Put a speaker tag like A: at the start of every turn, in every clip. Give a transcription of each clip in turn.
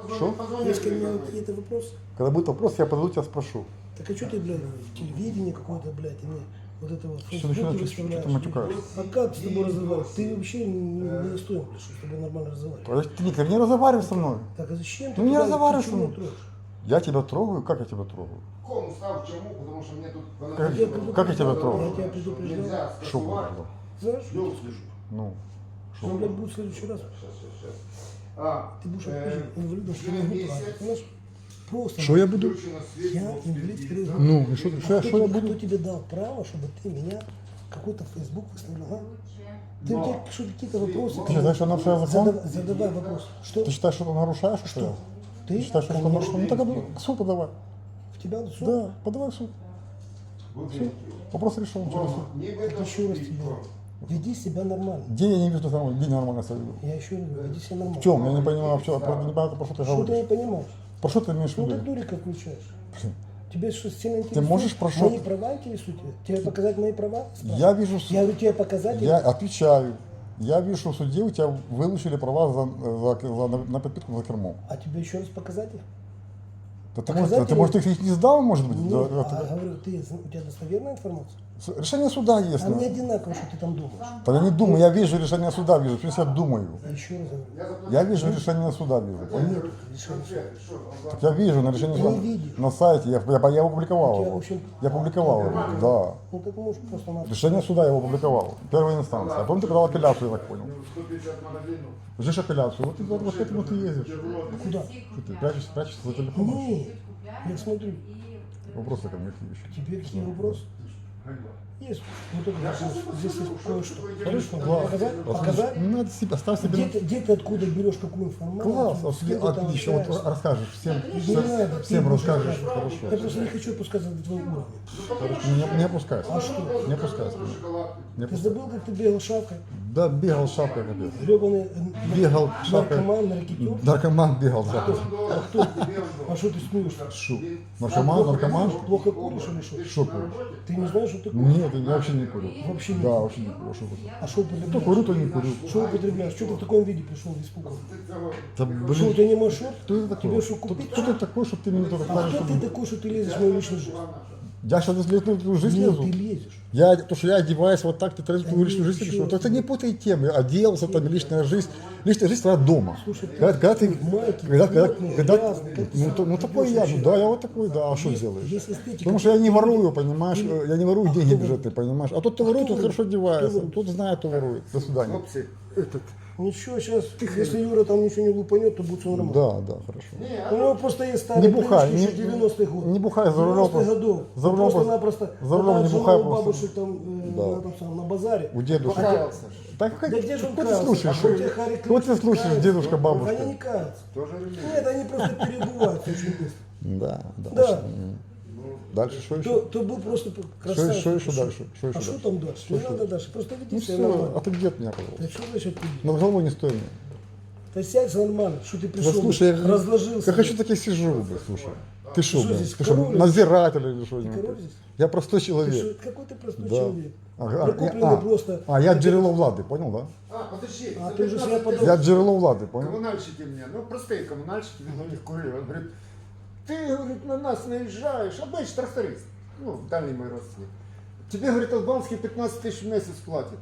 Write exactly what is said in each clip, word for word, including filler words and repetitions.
A: Что?
B: Есть ко мне какие-то вопросы?
A: Когда будет вопрос, я подойду, тебя спрошу.
B: Так а что ты, блядь, телевидение какое-то, блядь, и мне вот это вот в
A: Что
B: Фейсбуке
A: начинаешь,
B: выставляешь?
A: что ты матюкаешь?
B: А как с тобой разговаривать? Ты вообще не, не достоин, блядь, чтобы с тобой нормально разговаривать.
A: Ты, ты не разговаривай со мной.
B: Так, а зачем ты
A: Ну не
B: туда-
A: разговаривай
B: ты
A: со
B: чего
A: мной.
B: трожь?
A: Я тебя трогаю? Как я тебя трогаю?
C: Ком став чому? Потому що мені тут
A: Как,
B: Я предупреждал.
A: как я тебя
B: Я
A: трогаю?
B: тебя предупреждал.
C: нельзя
A: Что
C: скасувати.
A: предупреждал?
B: Знаешь?
C: Я услышу.
A: Ну,
B: Ну,
A: что?
B: блядь, будет в следующий раз.
C: Сейчас, сейчас, сейчас. А,
B: Ты будешь
C: э,
B: отпущен инвалидом, что не
C: через
B: могу
C: месяц
B: правильно, понимаешь? Просто.
A: Что я буду?
C: включено свет,
B: Я
C: вот
B: инвалид
C: впереди.
B: второй группы.
A: Ну, и что,
B: А
A: что, я-
B: кто,
A: что я
B: тебе,
A: буду?
B: кто тебе дал право, чтобы ты меня какой-то Facebook выставлял, а? Ты, у
C: Но
B: тебя что, какие-то вопросы?
A: Ты считаешь, что нарушаю закон?
B: Задавай, задавай вопрос. Что?
A: Ты считаешь, что ты нарушаешь? Что? я?
B: Ты?
A: Ты считаешь, что ты
B: Конечно.
A: нарушаешь? Ну так а, суд подавай.
B: В тебя в суд?
A: Да, подавай в суд.
C: Вот
A: Все.
C: видите.
A: Вопрос решен. Через суд.
C: Не в
B: Так
C: этом
B: еще раз
C: суть.
B: тебе. Веди себя нормально.
A: Где я не вижу, что где нормально себя веду?
B: Я еще раз говорю, веди себя нормально.
A: В чем? Я не понимаю, в чем. Я не понимаю, про что ты
B: Что ты не
A: говоришь.
B: понимаешь?
A: Про что ты имеешь в
B: Ну ты
A: виду?
B: дурика включаешь. Тебе что, сильно интересует?
A: можешь про что-
B: Мои права интересуют тебя? Тебе показать мои права?
A: Я вижу,
B: Я говорю, тебе показать?
A: я отвечаю. Я вижу, что в суде у тебя вылучили права за, за, за, на, на подпитку за кермом.
B: А тебе еще раз показать их?
A: Да ты,
B: Показать
A: может, ты,
B: или-
A: может, их не сдал, может быть?
B: Нет,
A: Да,
B: а
A: это-
B: говорю, ты, у тебя достоверная информация?
A: С- Решение суда есть.
B: А мне
A: ну.
B: одинаково, что ты там думаешь.
A: Да я не думаю, я вижу решение суда, вижу, то есть я думаю.
B: Еще раз говорю.
A: Я вижу решение суда, вижу. понял?
B: Нет решения суда.
A: Так я вижу на решение
B: Ты
A: суда.
B: не видишь.
A: На сайте, я, я, я его опубликовал.
B: У тебя,
A: его.
B: в общем,
A: Я публиковал его, да.
B: Ну так можешь просто на...
A: Решение суда я его опубликовал. Первая инстанция. А потом ты подал апелляцию, я так понял.
C: сто пятьдесят магазинов.
A: Ждешь апелляцию, вот, ты, вот, вот к этому ты ездишь.
B: Куда?
A: Что ты прячешься, прячешься за телефоном?
B: Нет, я смотрю.
A: Вопросы ко мне какие еще?
B: Тебе какие вопросы? Есть. Вот это вот здесь есть кое-что. Хорошо,
A: Класс.
B: показать? Показать?
A: Ну, надо себе, оставь себе.
B: Где ты, где ты откуда берешь такую информацию?
A: Класс,
B: С
A: вот,
B: кем ты там
A: отлично, вот
B: общаешься?
A: расскажешь всем,
B: Не
A: всем,
B: надо, ты
A: всем
B: будешь
A: расскажешь,
B: рассказывать.
A: хорошо.
B: Я просто не хочу опускаться до твоего уровня.
A: Хорошо, не, не опускайся.
B: А что?
A: Не опускайся. Не
B: Ты
A: опускайся.
B: забыл, как ты бегал шапкой?
A: Да, бегал шапкой, капец.
B: Гребаный
A: Бегал шапкой.
B: наркоман, наркотик.
A: Наркоман бегал шапкой.
B: А кто? А что ты смеешься?
A: Шу. Наркоман, наркоман.
B: Плохо куришь или что?
A: Что куришь?
B: Ты не знаешь, что ты куришь?
A: Нет, я вообще не курю.
B: Вообще не
A: Да, вообще не курю. Что курю?
B: А что
A: То
B: употребляешь?
A: курю, то не курю.
B: Что употребляешь? Что ты в таком виде пришел в испугом?
A: Да,
B: Что, у
A: блин,
B: тебя не маршрут?
A: кто это такой?
B: Тебе что,
A: Кто,
B: купить?
A: кто ты такой, чтобы ты мне только
B: А
A: скажешь,
B: кто
A: что...
B: ты такой, что ты лезешь в мою личную жизнь?
A: Я сейчас если в твою жизнь
B: Нет,
A: лезу.
B: ты лезешь.
A: Я, то, что я одеваюсь вот так, ты тратишь твою
B: Да
A: личную
B: нет,
A: жизнь,
B: еще
A: или что?
B: раз
A: Это не путай темы. Оделся, там, личная жизнь. Личная жизнь твоя дома.
B: Слушай, ты
A: когда, когда ты,
B: майки,
A: когда, когда,
B: плотные,
A: когда-
B: грязные, как ты
A: ну,
B: сам
A: то- ну, такой
B: идешь
A: я,
B: вообще?
A: ну да, я вот такой, да, а что
B: Есть-
A: сделаешь?
B: есть эстетика.
A: Потому что я не
B: Ты-
A: ворую, понимаешь,
B: ты-
A: я не ворую
B: А
A: деньги
B: кто
A: бюджетные, понимаешь. А тот, кто ворует,
B: кто
A: тот хорошо
B: ворует?
A: одевается,
B: Кто ворует?
A: тот знает, кто ворует. До свидания.
C: Хлопці, этот.
B: Ничего, сейчас, если Юра там ничего не лупанет, то будет все нормально.
A: Да, да, хорошо.
B: У него просто есть
A: Не
B: старые
A: бухай,
B: привычки
A: не,
B: еще девяностых годов.
A: не бухай за рулем.
B: девяностых годов.
A: За рулем
B: Просто-напросто
A: за рулем не
B: отдал
A: бухай
B: жену у
A: просто.
B: бабушек там, э,
A: Да.
B: на, там самом, на базаре.
A: У дедушки.
C: Покаялся.
A: Так, как,
B: Да где же он
A: что ты
B: каялся?
A: слушаешь?
B: А у тебя Харри
A: Что ты
B: Кришна
A: слушаешь,
B: кается?
A: дедушка,
B: Они
A: бабушка?
B: не каются.
C: Тоже релігія.
B: Нет, они просто перебывают очень быстро.
A: Да, да.
B: Да.
A: М. Дальше что еще?
B: То, то был просто красавчик.
A: что еще дальше? Что еще
B: а что
A: дальше?
B: там дальше? Не надо дальше. Просто веди
A: Ну
B: себя
A: все, а
B: нормально.
A: ты где от меня, пожалуйста?
B: Да что значит ты?
A: Над головой не стой мне.
B: Да сядь нормально, что ты
A: Да
B: пришел,
A: слушай, я,
B: разложился.
A: я хочу так и сижу, блин, слушай. Ты что,
B: Что
A: блин?
B: здесь,
A: Ты что,
B: король?
A: надзиратель или что?
B: король здесь?
A: Я простой
B: Ты
A: человек.
B: что, какой ты простой
A: Да.
B: человек?
A: Ага, а,
B: Прикупленный
A: а,
B: просто.
A: а я джерело влади, понял, да?
C: А, подожди.
B: А
C: за
B: ти вже
C: пятнадцать
B: себе
C: тисяч
A: Я джерело влади, понял?
C: Коммунальщики мне, ну простые коммунальщики, на них курили. Он говорит, ты, говорит, на нас наезжаешь, обычный тракторист, ну, дальний мой родственник. Тебе, говорит, Албанский пятнадцать тысяч в месяц платит.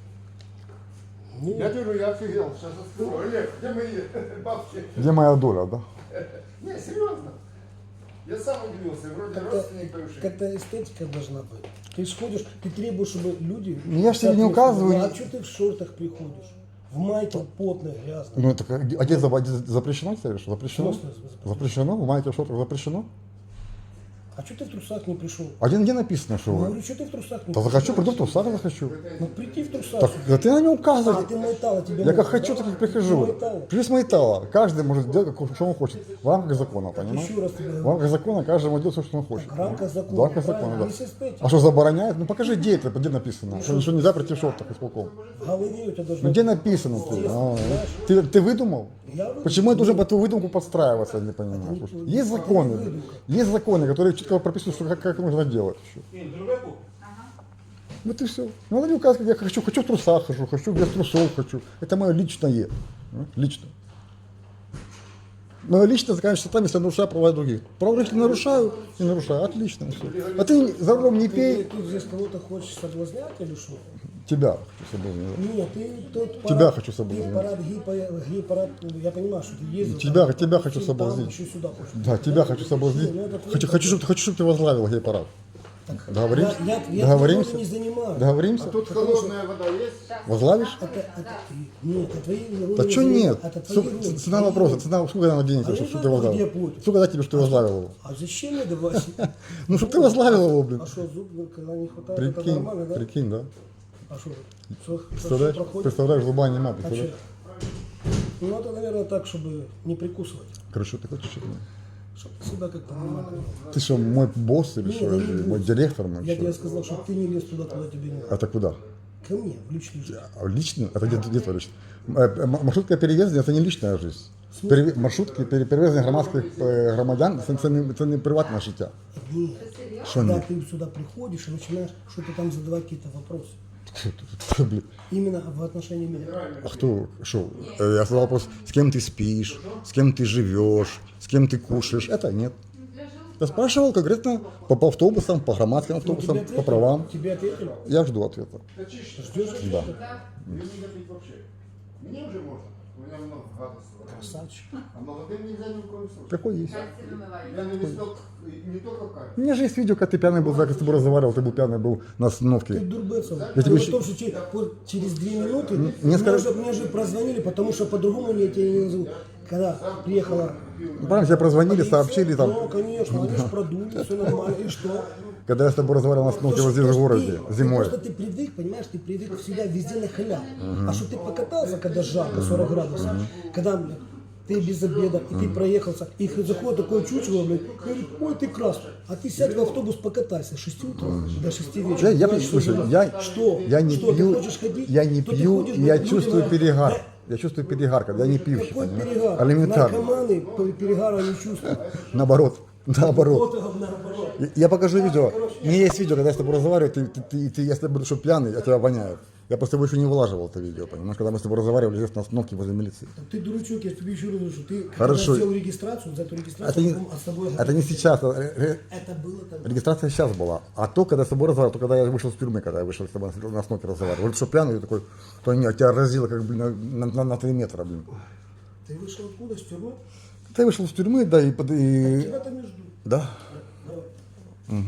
B: Нет.
C: Я говорю, я офигел, сейчас расскажу. Олег, где мои бабки?
A: Где моя доля, да?
C: Не, серьезно. Я сам удивился, вроде
B: Как-то,
C: родственник бывший.
B: как-то эстетика должна быть. Ты сходишь, ты требуешь, чтобы люди...
A: Ну, я ж тебе не указываю.
B: А что ты в шортах приходишь? В майке потной, грязной.
A: Ну это как- одеть за- одеть запрещено, тебе что? Запрещено?
B: В смысле запрещено?
A: Запрещено? В майке в шортах запрещено?
B: А что ты в трусах не пришел?
A: А где, где написано, что
B: Я
A: вы?
B: говорю, что ты в трусах не
A: Да
B: пришел?
A: захочу, приду в трусах, захочу.
B: Ну прийти в трусах.
A: Так, да ты на не
B: А,
A: указывай.
B: ты майтала, тебе
A: Я
B: можно,
A: как хочу,
B: да?
A: так и
B: Ты
A: прихожу.
B: майтала.
A: Плюс майтала. Каждый может делать, как, что он хочет. В рамках закона, понимаешь?
B: Еще раз тебе
A: В
B: говорю.
A: рамках закона каждый может делать все, что он хочет.
B: В рамках закона,
A: В рамках
B: правильно,
A: закона, да.
B: не с эстетикой.
A: А что забороняет? Ну покажи, где это, где написано. Что, что нельзя прийти в шортах исполком.
B: В голове у тебя должно
A: Ну где
B: быть.
A: написано ты? А, ты, ты выдумал?
B: Я выдумал.
A: Почему я должен под твою выдумку подстраиваться, я не понимаю. Слушай, есть законы, есть законы, которые четко прописывают, что как, как нужно делать еще. Вот и все. Ну, надо не указывать, я хочу, хочу в трусах хожу, хочу без трусов хочу. Это мое личное. а, Лично. Мое личное заканчивается там, если я нарушаю права других. Права других не нарушаю, не нарушаю, отлично все. А ты за рулем не
B: Ты
A: пей,
B: тут здесь кого-то хочешь соблазнять или что?
A: тебя хочу соблазнять.
B: Нет, ты тот парад,
A: Тебя хочу
B: ты
A: соблазнить.
B: парад, гей-парад, гей-парад, я понимаю, что ты ездил.
A: Тебя,
B: там,
A: тебя хочу
B: там,
A: соблазнить.
B: еще сюда хочешь.
A: Да, тебя хочу соблазнить.
B: Ну, это твой
A: Хочу, хочу, чтобы, хочу, чтобы ты возглавил гей-парад. Договоримся?
B: Я, я, я
A: Договоримся?
B: твоего не занимаю.
A: Договоримся?
C: А тут холодная вода есть?
A: Возглавишь?
B: Это, это, нет, это твои роли
A: Да
B: не
A: что
B: занимаю.
A: нет?
B: Это твои
A: Су-
B: роли.
A: ц- Цена
B: Твои
A: вопроса,
B: роли.
A: цена, сколько она денег,
B: А
A: чтобы
B: я
A: ты
B: знаю,
A: возглавил?
B: где платят.
A: Сколько дать тебе, что ты возглавил его?
B: А зачем мне давать?
A: Ну, чтобы ты возглавил его, блин.
B: А что, зуб, когда не хватает, это
A: Прикинь,
B: нормально, да?
A: прикинь, да?
B: А что, что, что
A: Представляешь,
B: проходит?
A: представляешь, зуба нема,
B: А
A: представляешь?
B: чё? Ну, это, наверное, так, чтобы не прикусывать.
A: Короче, ты хочешь от меня?
B: Чтобы себя как-то нормально вел.
A: Ты что, мой босс или
B: Нет,
A: что?
B: я не
A: Или
B: буду.
A: мой директор? Мой,
B: Я
A: что?
B: тебе сказал, чтобы ты не лез туда, куда тебе не надо.
A: Это куда?
B: Ко мне, в личную жизнь.
A: А лично? Это где, где твое лично? Э, э, Маршрутка перевезення – это не личная жизнь. Переве- Маршрутки пере- перевезення громадських е, громадян – це, це, не, це не приватне життя.
B: Нет.
A: Что
B: Когда
A: нет?
B: ты сюда приходишь и начинаешь что-то там задавать какие-то вопросы.
A: Блин.
B: Именно в отношении меня.
A: А кто, что? Э, Я задал вопрос, с кем ты спишь, с кем ты живешь, с кем ты кушаешь. Это нет. Я спрашивал конкретно по, по автобусам, по громадским автобусам,
B: Тебе
A: по правам.
B: Тебе ответили?
A: Я жду ответа.
B: Ждешь?
A: Да.
C: Мне не пить вообще. Мне уже можно. У меня много гадостей.
B: Красавчик.
C: А молодым нельзя ни в коем случае.
A: Какой есть?
C: Я не листок, не только кайф.
A: У меня же есть видео, как ты пьяный был, как с тобой разговаривал, ты был пьяный был на
B: Ты
A: остановке.
B: дурбецов.
A: Я тебе
B: Дело в
A: щ-
B: том, что че- по- через две минуты
A: мне
B: мне,
A: скажи-
B: уже, мне же прозвонили, потому что по-другому я тебя не назову. Когда приехала...
A: Правильно, тебе прозвонили,
B: полиция,
A: сообщили там.
B: Ну, конечно, они же продули, все нормально. И что?
A: Когда я с тобой разговаривал на остановке вот здесь в городе,
B: Ты-
A: зимой.
B: Просто ты привык, понимаешь, ты привык всегда везде на халяву. А что ты покатался, когда жарко, сорок градусов, когда блядь, ты без обеда, и ты проехался, и заходит такое чучело, блядь, говорит, ой, ты красный. А ты сядь в автобус, покатайся с шести утра до шести вечера.
A: Я, я,
B: Знаешь, что
A: слушай,
B: за-
A: я,
B: что?
A: я не
B: что,
A: пью,
B: ты хочешь ходить?
A: я не
B: То ты
A: пью,
B: ходишь,
A: я
B: блядь,
A: чувствую
B: людям,
A: перегар.
B: да,
A: Я чувствую перегар, когда я не пьющий,
B: Какой
A: понимаешь?
B: перегар?
A: Элементарно.
B: Наркоманы по- перегара не чувствуют.
A: Наоборот, наоборот.
B: Вот наоборот.
A: Я- Я покажу видео. У меня есть видео, когда я с тобой разговариваю, ты, ты, ты, ты- если я буду что пьяный, я тебя воняю. Я просто его еще не вылаживал, это видео, понимаешь? Когда мы с тобой разговаривали здесь на остановке возле милиции.
B: Ты дурачок, я тебе еще раз говорю, что ты
A: Хорошо.
B: когда сделал регистрацию, за эту регистрацию,
A: Это не,
B: потом с тобой
A: это не сейчас. это ре-
B: это было тогда.
A: Регистрация сейчас была. А то, когда с тобой разговаривал, то когда я вышел из тюрьмы, когда я вышел с тобой на остановке разговаривал. Говорит, что пьяный, я такой, то нет, тебя разило как, блин, на, на, на три метра, блин.
B: Ты вышел откуда, с тюрьмы?
A: Ты вышел из тюрьмы, да, и... под- и...
B: Тебя там не жду.
A: Да.
B: Давай.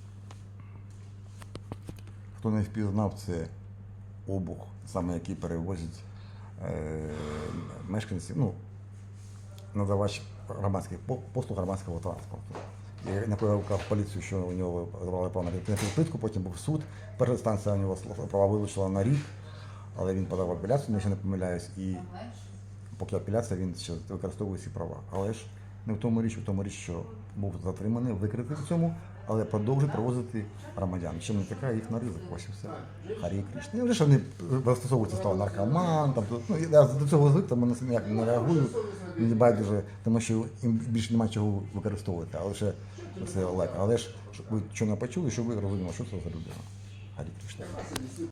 A: Хто не впізнав, це обух, саме який перевозять е, мешканці, ну, надавач громадських по- послуг громадського транспорту. Я накликав поліцію, що у нього забрали право на відповідну плитку, потім був суд. Перша інстанція у нього права вилучила на рік, але він подав апеляцію, якщо не помиляюсь, і поки апеляція, він ще використовує ці права. Але ж не в тому річ, в тому річ, що був затриманий, викритий в цьому, але продовжує провозити громадян. Чим не така їх на ризик, ось і все. Харі Кришна. Не вже що вони застосовуються стало наркоман, там, ну, я до цього звик, тому ніяк не реагую, мені байдуже, тому що їм більше немає чого використовувати, але ще це легко. Але ж щоб ви що не почули, щоб ви розуміли, що це за людина. Харі Кришна.